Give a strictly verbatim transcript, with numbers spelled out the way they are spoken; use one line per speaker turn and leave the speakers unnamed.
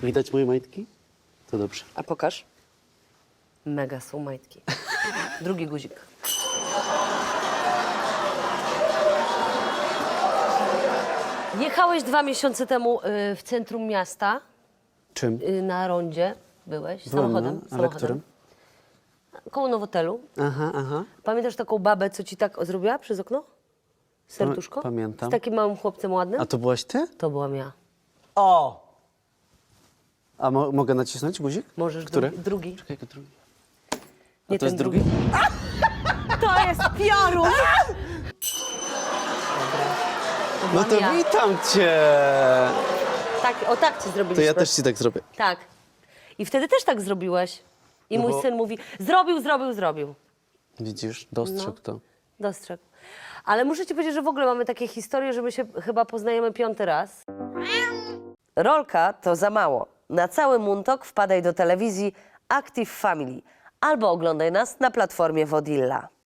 Widać moje majtki? To dobrze.
A pokaż. Mega są majtki. Drugi guzik. Jechałeś dwa miesiące temu y, w centrum miasta,
Czym?
y, na rondzie byłeś,
Byłem,
samochodem.
no, ale
samochodem.
którym?
Koło Nowotelu.
Aha, aha.
Pamiętasz taką babę, co ci tak zrobiła przez okno? Serduszko?
Pamiętam.
Z takim małym chłopcem ładnym?
A to byłaś ty?
To byłam ja.
O! A mo mogę nacisnąć guzik?
Możesz
Który?
drugi. drugi.
Czekaj, jaki drugi?
Nie
A to jest
ten
drugi?
To jest piorun!
No to
ja.
witam cię!
Tak, o tak ci
To
zrobiliśmy.
ja też ci tak zrobię.
Tak. I wtedy też tak zrobiłeś. I
No
mój
bo-
syn mówi, zrobił, zrobił, zrobił.
Widzisz? Dostrzegł
No.
to.
Dostrzegł. Ale muszę ci powiedzieć, że w ogóle mamy takie historie, że my się chyba poznajemy piąty raz.
Rolka to za mało. Na cały Muntok wpadaj do telewizji Active Family albo oglądaj nas na platformie Wodilla.